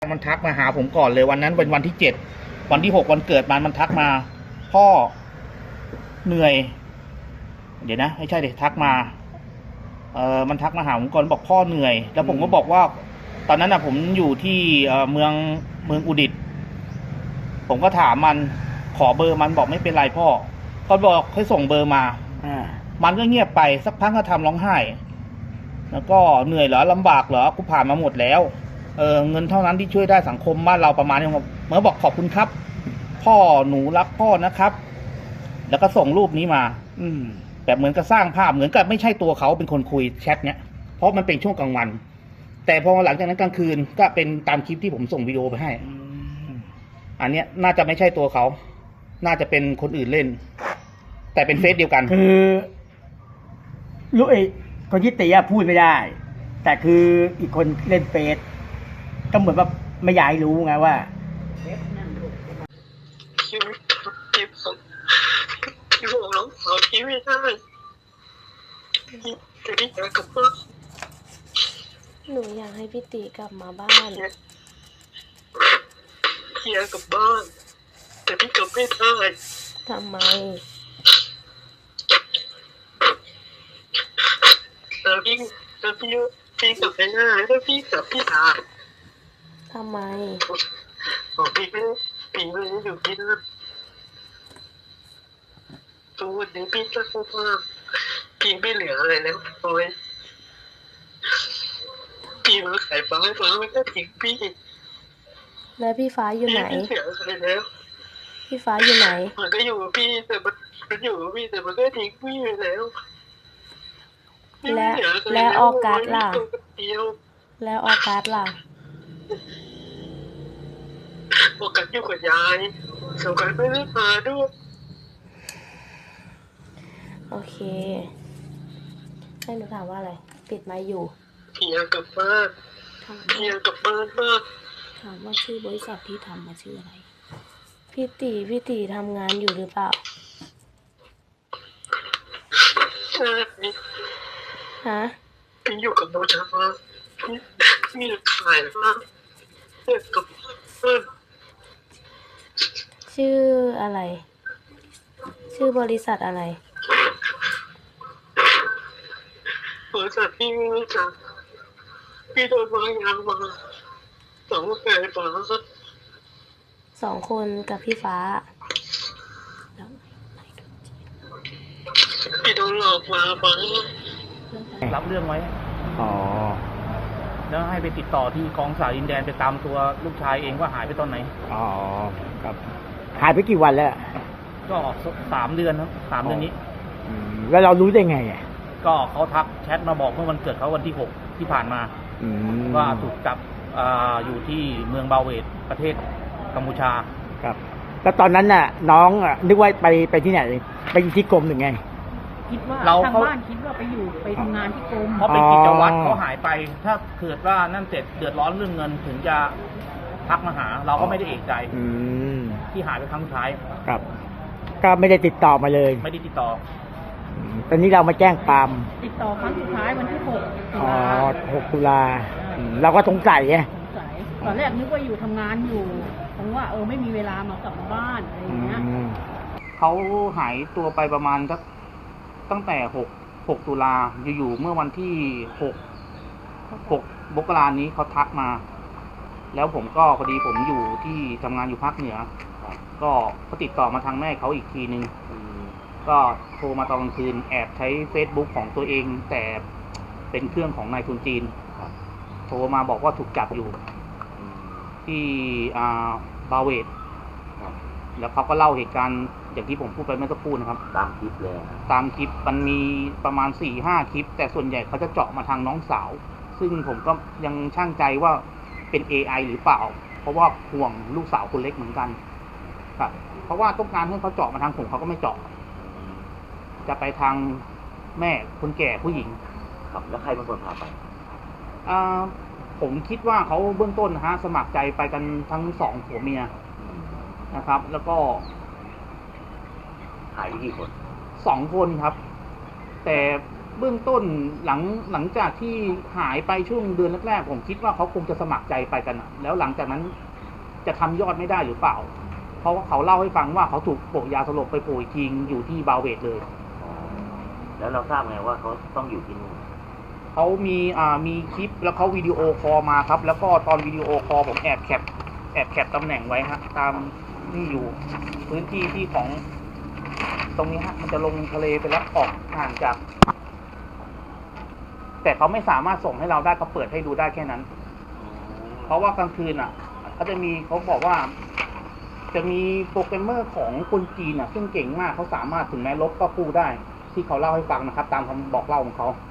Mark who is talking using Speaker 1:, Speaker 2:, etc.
Speaker 1: มันทักมาหาผมก่อนเลยวันนั้นเป็นวันที่7วันที่6วันเกิดมันทักมา พ่อเหนื่อยเดี๋ยวนะไม่ใช่เดี๋ยวทักมามันทักมาหาผมก่อนบอกพ่อเหนื่อยแล้วผมก็บอกว่าตอนนั้นผมอยู่ที่เมืองอุดิตถ์ผมก็ถามมันขอเบอร์มันบอกไม่เป็นไรพ่อก็บอกให้ส่งเบอร์มามันก็เงียบไปสักพักก็ทำร้องไห้แล้วก็เหนื่อยเหรอลำบากเหรอกูผ่านมาหมดแล้วเงินเท่านั้นที่ช่วยได้สังคมบ้านเราประมาณนี้ครับเมื่อบอกขอบคุณครับพ่อหนูรักพ่อนะครับแล้วก็ส่งรูปนี้มาแบบเหมือนกับสร้างภาพเหมือนกับไม่ใช่ตัวเขาเป็นคนคุยแชทเนี้ยเพราะมันเป็นช่วงกลางวันแต่พอหลังจากนั้นกลางคืนก็เป็นตามคลิปที่ผมส่งวิดีโอไปให้อันเนี้ยน่าจะไม่ใช่ตัวเขาน่าจะเป็นคนอื่นเล่นแต่เป็นเฟซเดียวกัน
Speaker 2: คือลูกคนที่ตีพูดไม่ได้แต่คืออีกคนเล่นเฟซก็เหมือนว่าไม่อยากให้รู้ไงว่า
Speaker 3: พี่บอกน้องสาวพี่ไม่ได้แต่พี่อยากกลับบ้าน
Speaker 4: หนูอยากให้พี่ตีกลับมาบ้าน
Speaker 3: พี่อยากกลับบ้านแต่พี่กลับไม่ได้
Speaker 4: ทำไม
Speaker 3: แต่พี่กลับไม่ได้ถ้าพี่กลับพี่ตาย
Speaker 4: ทำไม
Speaker 3: พี่ไม่อยู่ที่นั่นตัววันนี้พี่ก็พูดว่าพี่ไม่เหลืออะไรแล้วโอ้ยพี่มาขายฟ้าให้ฟ้าไม่ได้ทิ้งพี่
Speaker 4: แล้วพี่ฟ้าอยู่ไหน
Speaker 3: พี่เหลืออะไรแล้ว
Speaker 4: พี่ฟ้าอยู่ไหน
Speaker 3: มันก็อยู่กับพี่แต่มันอยู่กับพี่แต่มันก็ทิ้งพี่ไปแล้ว
Speaker 4: และออกัสล่ะแล้วออกัสล่ะ
Speaker 3: ออกัสอยู่กับยายสงการไม่ได้มาด้วย
Speaker 4: โอเคให้หนูถามว่าอะไรปิดไมค์อยู่
Speaker 3: พี่อยากกลับบ้านพี่อยากกลับบ้านมาก
Speaker 4: ถามว่าชื่อบริษัทที่ทำมาชื่ออะไรพี่ตีทำงานอยู่หรือเปล่า
Speaker 3: ใช่
Speaker 4: ฮะ
Speaker 3: พี่อยู่กับโนชามาพี่ขายมากเด็กกับเพื่อน
Speaker 4: ชื่ออะไรชื่อบริษัทอะไร
Speaker 3: บริษัทพี่ไม่รู้จักพี่โดนวางยามา2 คนฟ้า
Speaker 4: 2 คนกับพี่ฟ้า
Speaker 3: พี่โดนหลอกมาฟ้า
Speaker 1: รับเรื่องไว้แล้วให้ไปติดต่อที่กองสายดินแดนไปตามตัวลูกชายเองว่าหายไปตอนไหน
Speaker 2: ครับหายไปกี่วันแล้ว
Speaker 1: ก็3 เดือนครับ3 เดือนนี้
Speaker 2: แล้วเรารู้ได้ไง
Speaker 1: ก็เขาทักแชทมาบอกเมื่อวันเกิดเขาวันที่6ที่ผ่านมาว่าถูกจับอยู่ที่เมืองบาเวตประเทศกัมพูชา
Speaker 2: ครับแล้วตอนนั้นน่ะน้องนึกว่าไปที่ไหนไปที่กรมหรือไง
Speaker 5: คิดว่าทางบ้านคิดว่าไปทำงานที่กรม
Speaker 1: เพราะเป็นกิจวัตรเขาหายไปถ้าเกิดว่านั่นเสร็จเดือดร้อนเรื่องเงินถึงจะทักมาหาเราก็ไม่ได้เอกใจที่หายไปครั้งสุดท้าย
Speaker 2: ครับก็ไม่ได้ติดต่อมาเลย
Speaker 1: ไม่ได้ติดต่อ
Speaker 2: ตอนนี้เรามาแจ้งความ
Speaker 5: ติดต่อครั้งสุดท้ายวันที่
Speaker 2: 6 ตุลาเราก็สงสัยไง
Speaker 5: ตอนแรกนึกว่าอยู่ทำงานอยู่ผมว่าไม่มีเวลามากลับบ้านอะไรอย่างเงี้ย
Speaker 1: เขาหายตัวไปประมาณตั้งแต่6 ตุลาอยู่เมื่อวันที่6 มกรานี้เขาทักมาแล้วผมก็พอดีผมอยู่ที่ทำงานอยู่ภาคเหนือก็เขาติดต่อมาทางแม่เขาอีกทีนึงก็โทรมาตอนกลางคืนแอบใช้ Facebook ของตัวเองแต่เป็นเครื่องของนายทุนจีนโทรมาบอกว่าถูกจับอยู่ที่บาเวตแล้วเขาก็เล่าเหตุการณ์อย่างที่ผมพูดไปเมื่อสักครู่นะครับ
Speaker 6: ตามคลิปเลย
Speaker 1: ตามคลิปมันมีประมาณ 4-5 คลิปแต่ส่วนใหญ่เขาจะเจาะมาทางน้องสาวซึ่งผมก็ยังช่างใจว่าเป็น AI หรือเปล่าเพราะว่าห่วงลูกสาวคนเล็กเหมือนกันครับเพราะว่าต้องการให้เขาเจาะมาทางผมเขาก็ไม่เจาะจะไปทางแม่คนแก่ผู้หญิง
Speaker 6: ครับแล้วใครเป็นคนพาไป
Speaker 1: ผมคิดว่าเขาเบื้องต้นสมัครใจไปกันทั้ง2 ผัวเมียนะครับแล้วก็
Speaker 6: หายกี่คน
Speaker 1: 2 คนครับแต่เบื้องต้นหลังจากที่หายไปช่วงเดือนแรกๆผมคิดว่าเขาคงจะสมัครใจไปกันอะแล้วหลังจากนั้นจะทำยอดไม่ได้หรือเปล่า เพราะว่าเขาเล่าให้ฟังว่าเขาถูกโปะยาสลบไปโปะอีกทีอยู่ที่บาเวตเลย
Speaker 6: อ๋อแล้วเราทราบไงว่าเขาต้องอยู่ที่นู่น
Speaker 1: เขามีคลิปแล้วเขาวิดีโอคอลมาครับ แล้วก็ตอนวิดีโอคอลผมแอบแคปตำแหน่งไว้ฮะตามนี่อยู่พื้นที่ที่ของตรงนี้ฮะมันจะลงทะเลไปแล้วออกห่างจาก แต่เขาไม่สามารถส่งให้เราได้เขาเปิดให้ดูได้แค่นั้น เพราะว่ากลางคืนเขาจะมีเขาบอกว่า จะมีโปรแกรมเมอร์ของคนจีนซึ่งเก่งมากเขาสามารถถึงแม้ลบก็กู้ได้ ที่เขาเล่าให้ฟังนะครับ ตามคำบอกเล่าของเขา